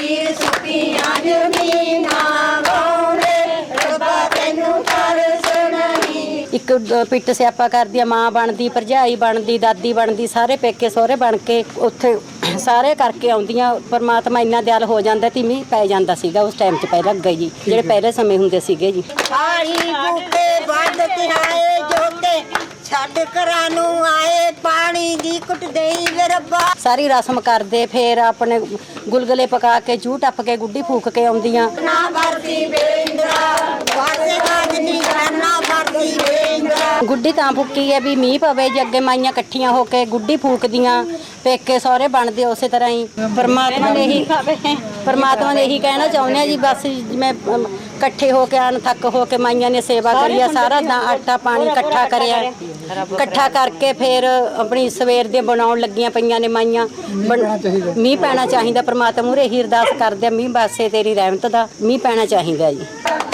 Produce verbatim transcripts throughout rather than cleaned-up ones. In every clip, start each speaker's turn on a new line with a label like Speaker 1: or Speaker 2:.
Speaker 1: ਵੀਰ ਸੁੱਕੀਆਂ ਜ਼ਮੀਨਾਂ ਵਾਉਂਦੇ ਰੱਬਾ ਤੈਨੂੰ ਤਰਸ ਨਹੀਂ।
Speaker 2: ਇੱਕ ਪਿੱਟ ਸਿਆਪਾ ਕਰਦੀ ਆ, ਮਾਂ ਬਣਦੀ, ਭਰਜਾਈ ਬਣਦੀ, ਦਾਦੀ ਬਣਦੀ, ਸਾਰੇ ਪੇਕੇ ਸਹੁਰੇ ਬਣ ਕੇ ਉੱਥੇ ਸਾਰੇ ਕਰਕੇ ਆਉਂਦੀਆਂ। ਪਰਮਾਤਮਾ ਇੰਨਾ ਦਿਆਲ ਹੋ ਜਾਂਦਾ ਤੀ ਮੀਂਹ ਪੈ ਜਾਂਦਾ ਸੀਗਾ ਉਸ ਟਾਈਮ 'ਚ ਪਹਿਲਾਂ ਅੱਗੇ ਜੀ, ਜਿਹੜੇ ਪਹਿਲੇ ਸਮੇਂ ਹੁੰਦੇ ਸੀਗੇ ਜੀ।
Speaker 1: ਹਾੜੀ ਬੂਟੇ ਵੱਢ ਤਿਹਾਏ ਜੋਤੇ ਛੱਡ ਘਰਾਂ ਨੂੰ ਆਏ ਪਾਣੀ ਦੀ ਕੁੱਟ ਦੇਈ ਵੇ ਰੱਬਾ।
Speaker 2: ਸਾਰੀ ਰਸਮ ਕਰਦੇ, ਫੇਰ ਆਪਣੇ ਗੁਲਗੁਲੇ ਪਕਾ ਕੇ ਜੂਹ ਟੱਪ ਕੇ ਗੁੱਡੀ ਫੂਕ ਕੇ ਆਉਂਦੀਆਂ।
Speaker 1: ਨਾ ਵਰਦੀ ਬੇਂਦਰਾ ਵਾਸੇ ਬਾਜ ਨਹੀਂ ਕਰਨਾ ਵਰਦੀ ਬੇਂਦਰਾ।
Speaker 2: ਗੁੱਡੀ ਤਾਂ ਫੁੱਕੀ ਹੈ ਵੀ ਮੀਂਹ ਪਵੇ ਜੀ, ਅੱਗੇ ਮਾਈਆਂ ਇਕੱਠੀਆਂ ਹੋ ਕੇ ਗੁੱਡੀ ਫੂਕਦੀਆਂ, ਪੇਕੇ ਸਹੁਰੇ ਬਣਦੇ ਉਸੇ ਤਰ੍ਹਾਂ ਹੀ। ਪਰਮਾਤਮਾ ਨੇ ਇਹੀ ਪਰਮਾਤਮਾ ਨੇ ਇਹੀ ਕਹਿਣਾ ਚਾਹੁੰਦੇ ਆ ਜੀ, ਬਸ ਜਿਵੇਂ ਇਕੱਠੇ ਹੋ ਕੇ ਆਣ ਥੱਕ ਹੋ ਕੇ ਮਾਈਆਂ ਨੇ ਸੇਵਾ ਕਰੀ ਆ, ਸਾਰਾ ਦਾ ਆਟਾ ਪਾਣੀ ਇਕੱਠਾ ਕਰਿਆ, ਇਕੱਠਾ ਕਰਕੇ ਫਿਰ ਆਪਣੀ ਸਵੇਰ ਦੇ ਬਣਾਉਣ ਲੱਗੀਆਂ ਪਈਆਂ ਨੇ ਮਾਈਆਂ। ਮੀਂਹ ਪੈਣਾ ਚਾਹੀਦਾ, ਪਰਮਾਤਮਾ ਮੂਹਰੇ ਹੀ ਅਰਦਾਸ ਕਰਦੇ ਆ, ਮੀਂਹ ਬਾਸੇ ਤੇਰੀ ਰਹਿਮਤ ਦਾ ਮੀਂਹ ਪੈਣਾ ਚਾਹੀਦਾ ਜੀ।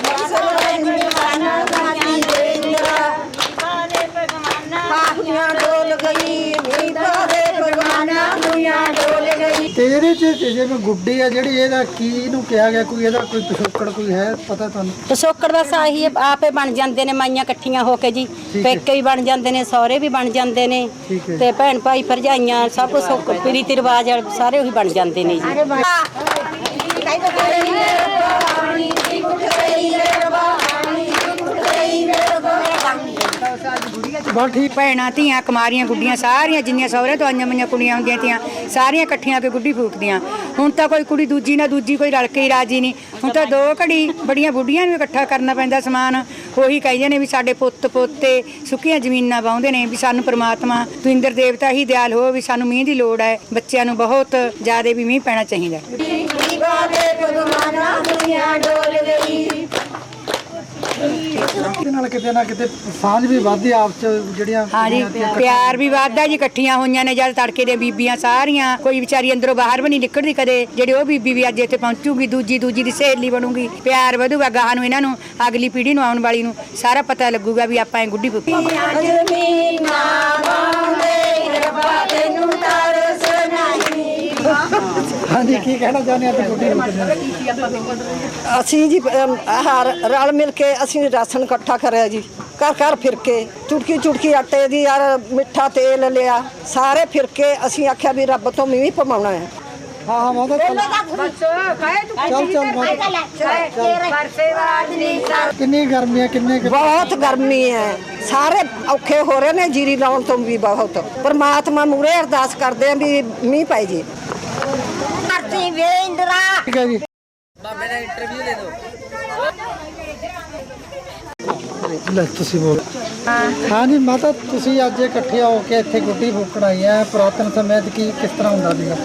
Speaker 3: ਤੇ ਇਹਦੇ ਚ ਜਿਵੇਂ ਗੁੱਡੀ ਆ ਜਿਹੜੀ, ਇਹਦਾ ਕੀ ਇਹਨੂੰ ਕਿਹਾ ਗਿਆ, ਕੋਈ ਇਹਦਾ ਕੋਈ ਪਿਛੋਕੜ ਕੋਈ ਹੈ ਪਤਾ ਤੁਹਾਨੂੰ?
Speaker 2: ਪਿਛੋਕੜ ਬਸ ਆਹੀ ਆਪੇ ਬਣ ਜਾਂਦੇ ਨੇ ਮਾਈਆਂ ਇਕੱਠੀਆਂ ਹੋ ਕੇ ਜੀ, ਪੇਕੇ ਵੀ ਬਣ ਜਾਂਦੇ ਨੇ, ਸਹੁਰੇ ਵੀ ਬਣ ਜਾਂਦੇ ਨੇ, ਤੇ ਭੈਣ ਭਾਈ ਭਰਜਾਈਆਂ ਸਭ ਕੁਛ ਰੀਤੀ ਰਿਵਾਜ ਸਾਰੇ ਉਹੀ ਬਣ ਜਾਂਦੇ ਨੇ ਜੀ।
Speaker 4: ਬਹੁਤ ਠੀਕ। ਭੈਣਾਂ ਧੀਆਂ ਕੁਮਾਰੀਆਂ ਗੁੱਡੀਆਂ ਸਾਰੀਆਂ ਜਿੰਨੀਆਂ ਸਹੁਰੇ ਤੋਂ ਆਈਆਂ ਮਈਆਂ ਕੁੜੀਆਂ ਹੁੰਦੀਆਂ ਤੀਆਂ ਸਾਰੀਆਂ ਇਕੱਠੀਆਂ ਕੇ ਗੁੱਡੀ ਫੂਕਦੀਆਂ। ਹੁਣ ਤਾਂ ਕੋਈ ਕੁੜੀ ਦੂਜੀ ਨਾ ਦੂਜੀ ਕੋਈ ਰਲ ਕੇ ਹੀ ਰਾਜੀ ਨਹੀਂ। ਹੁਣ ਤਾਂ ਦੋ ਘੜੀ ਬੜੀਆਂ ਬੁੱਢੀਆਂ ਨੂੰ ਇਕੱਠਾ ਕਰਨਾ ਪੈਂਦਾ ਸਮਾਨ। ਉਹੀ ਕਹਿੰਦੇ ਨੇ ਵੀ ਸਾਡੇ ਪੁੱਤ ਪੋਤੇ ਸੁੱਕੀਆਂ ਜ਼ਮੀਨਾਂ ਵਾਹੁੰਦੇ ਨੇ, ਵੀ ਸਾਨੂੰ ਪ੍ਰਮਾਤਮਾ ਤੂੰ ਇੰਦਰ ਦੇਵਤਾ ਹੀ ਦਿਆਲ ਹੋ, ਵੀ ਸਾਨੂੰ ਮੀਂਹ ਦੀ ਲੋੜ ਹੈ, ਬੱਚਿਆਂ ਨੂੰ ਬਹੁਤ ਜ਼ਿਆਦਾ ਵੀ ਮੀਂਹ ਪੈਣਾ ਚਾਹੀਦਾ।
Speaker 3: ਇਹਦੇ ਨਾਲ ਕਿਤੇ ਨਾ ਕਿਤੇ ਸਾਂਝ ਵੀ ਵੱਧਦੀ ਆਪਸ ਚ ਜਿਹੜੀਆਂ।
Speaker 4: ਹਾਂਜੀ, ਪਿਆਰ ਵੀ ਵੱਧਦਾ ਜੀ, ਇਕੱਠੀਆਂ ਹੋਈਆਂ ਨੇ ਜਦ ਤੜਕੇ ਦੇ ਬੀਬੀਆਂ ਸਾਰੀਆਂ, ਕੋਈ ਵਿਚਾਰੀ ਅੰਦਰੋਂ ਬਾਹਰ ਵੀ ਨਹੀਂ ਨਿਕਲਦੀ ਕਦੇ। ਜਿਹੜੇ ਉਹ ਬੀਬੀ ਵੀ ਅੱਜ ਇੱਥੇ ਪਹੁੰਚੂਗੀ, ਦੂਜੀ ਦੂਜੀ ਦੀ ਸਹੇਲੀ ਬਣੂਗੀ, ਪਿਆਰ ਵਧੂਗਾ ਗਾਹਾਂ ਨੂੰ। ਇਹਨਾਂ ਨੂੰ ਅਗਲੀ ਪੀੜ੍ਹੀ ਨੂੰ ਆਉਣ ਵਾਲੀ ਨੂੰ ਸਾਰਾ ਪਤਾ ਲੱਗੂਗਾ ਵੀ ਆਪਾਂ ਇਹ ਗੁੱਡੀ ਫੂਕੀ।
Speaker 3: ਹਾਂਜੀ, ਕੀ ਕਹਿਣਾ ਚਾਹੁੰਦੇ ਆ ਗੁੱਡੀ
Speaker 5: ਅਸੀਂ ਜੀ ਆਹ ਰਲ ਮਿਲ ਕੇ ਅਸੀਂ ਰਾਸ਼ਨ ਇਕੱਠਾ ਕਰਿਆ ਜੀ, ਘਰ ਘਰ ਫਿਰ ਕੇ ਚੁਟਕੀ ਚੁਟਕੀ ਆਟੇ ਦੀ ਯਾਰ ਮਿੱਠਾ ਤੇਲ ਲਿਆ, ਸਾਰੇ ਫਿਰ ਕੇ ਅਸੀਂ ਆਖਿਆ ਵੀ ਰੱਬ ਤੋਂ ਮੀਂਹ ਪਵਾਉਣਾ ਹੈ।
Speaker 3: ਹਾਂ ਹਾਂ ਮਾਤਾ ਚੱਲ ਚੱਲ ਕਿੰਨੀ ਗਰਮੀ ਹੈ, ਕਿੰਨੇ
Speaker 5: ਬਹੁਤ ਗਰਮੀ ਹੈ, ਸਾਰੇ ਔਖੇ ਹੋ ਰਹੇ ਨੇ ਜੀਰੀ ਲਾਉਣ ਤੋਂ ਵੀ ਬਹੁਤ। ਪਰਮਾਤਮਾ ਮੂਹਰੇ ਅਰਦਾਸ ਕਰਦੇ ਆ ਵੀ ਮੀਂਹ ਪੈ ਜੀ।
Speaker 1: ਵਰਦੀ ਬੇਂਦਰਾ।
Speaker 3: ਠੀਕ ਹੈ ਜੀ।
Speaker 6: ਬਾਬੇ ਦਾ ਇੰਟਰਵਿਊ ਦੇ ਦਿਓ।
Speaker 3: ਲੈ ਤੁਸੀਂ ਬੋਲ। ਹਾਂ ਜੀ ਮਾਤਾ, ਤੁਸੀਂ ਅੱਜ ਇਕੱਠੇ ਹੋ ਕੇ ਇੱਥੇ ਗੁੱਡੀ ਫੂਕਣ ਆਈ ਹੈ, ਪੁਰਾਤਨ ਸਮੇਂ 'ਚ ਕੀ ਕਿਸ ਤਰ੍ਹਾਂ ਹੁੰਦਾ ਸੀਗਾ?